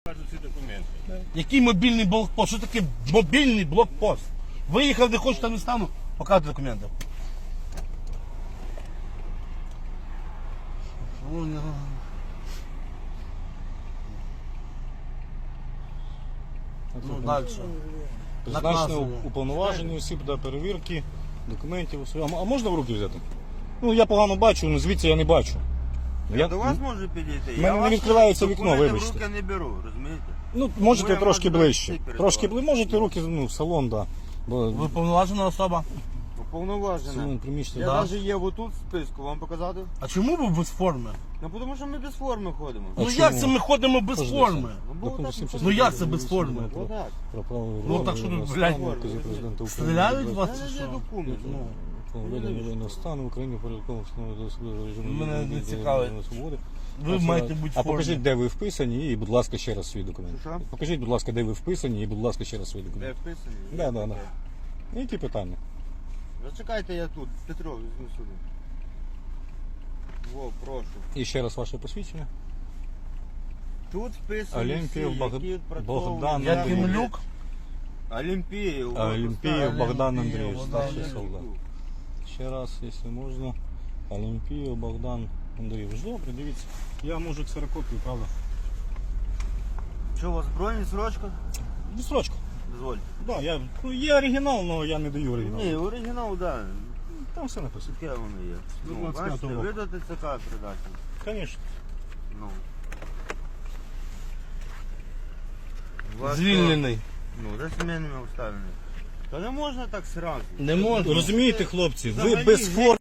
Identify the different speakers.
Speaker 1: Кажуть ці документи.
Speaker 2: Який мобільний блокпост? Що таке мобільний блокпост? Виїхав, не хочеш, там не стану, показуй документи. Ну, далі.
Speaker 3: Призначено уповноважені осіб для перевірки документів. А можна в руки взяти? Ну, я погано бачу, ну звідси я не бачу.
Speaker 1: Я до вас можу підійти.
Speaker 3: В мене не відкривається вікно,
Speaker 1: вибачте.
Speaker 3: вибачте.
Speaker 1: В руки не беру, розумієте?
Speaker 3: Ну, можете
Speaker 1: я
Speaker 3: трошки
Speaker 1: можу
Speaker 3: ближче.
Speaker 1: перед
Speaker 3: Трошки
Speaker 1: вами.
Speaker 3: ближче, можете руки, ну, в салон, да. Бо
Speaker 2: Ви повноважена особа.
Speaker 1: Уповноважена.
Speaker 3: салон приміщення.
Speaker 1: Я
Speaker 2: Да.
Speaker 1: навіть є отут в списку, вам показати?
Speaker 2: А чому ви без форми?
Speaker 1: Ну, тому що ми без форми ходимо.
Speaker 3: А
Speaker 2: Ну
Speaker 3: чому?
Speaker 2: як це ми ходимо без
Speaker 3: Подожди,
Speaker 2: форми?
Speaker 1: Ну, бо
Speaker 3: Закон
Speaker 1: так
Speaker 3: 7
Speaker 2: Ну, як це без форми?
Speaker 1: Отак.
Speaker 3: Про право
Speaker 2: Ну, так що тут,
Speaker 3: воєнного
Speaker 2: блядь,
Speaker 3: стану, указів президента України.
Speaker 2: Стріляють
Speaker 3: Будь
Speaker 2: вас
Speaker 3: ласка,
Speaker 2: чи
Speaker 1: Це є
Speaker 2: що?
Speaker 1: документ.
Speaker 3: введення воєнного стану в Україні порядково встановлено до особливого режиму
Speaker 2: Мене не
Speaker 3: відновлення
Speaker 2: цікавить.
Speaker 3: свободи.
Speaker 2: Ви маєте бути в
Speaker 3: А
Speaker 2: формі.
Speaker 3: покажіть, де ви вписані, і, будь ласка, ще раз свій документ.
Speaker 1: Що?
Speaker 3: Покажіть, будь ласка, де ви вписані, і, будь ласка, ще раз свій
Speaker 1: Де
Speaker 3: документ.
Speaker 1: вписані?
Speaker 3: Да, да, да. Які питання?
Speaker 1: Зачекайте, я тут. Петро, візьму сюди. Во, прошу.
Speaker 3: І ще раз ваше посвідчення.
Speaker 1: Тут вписані
Speaker 3: Олімпієв
Speaker 1: всі, які відпрацьовують
Speaker 3: Богдан
Speaker 1: на
Speaker 2: Якимлюк?
Speaker 1: Олімпієв.
Speaker 3: Олімпієв Богдан Андрійович,
Speaker 2: Богдан
Speaker 3: старший
Speaker 2: Андрійович.
Speaker 3: солдат. Ще раз, якщо можна. Олімпієв Богдан Андрійович. Добре, дивіться. Я можу ксерокопію, правда?
Speaker 1: Що, у вас броні, срочка?
Speaker 3: Відсрочка.
Speaker 1: Дозвольте.
Speaker 3: Да, ну, є оригінал, але я не даю оригінал.
Speaker 1: Ні, оригінал, да.
Speaker 3: Там все написано.
Speaker 1: Таке воно є.
Speaker 3: До
Speaker 1: Ну,
Speaker 3: 25-го
Speaker 1: бачите,
Speaker 3: року.
Speaker 1: ви до ТЦК передати.
Speaker 3: Звісно.
Speaker 1: Ну. Вас
Speaker 2: Звільнений.
Speaker 1: то, Ну, за сімейними обставинами. Та не можна так сразу.
Speaker 2: Не можна.
Speaker 3: Розумієте, хлопці, ви
Speaker 1: Взагалі
Speaker 3: без форми.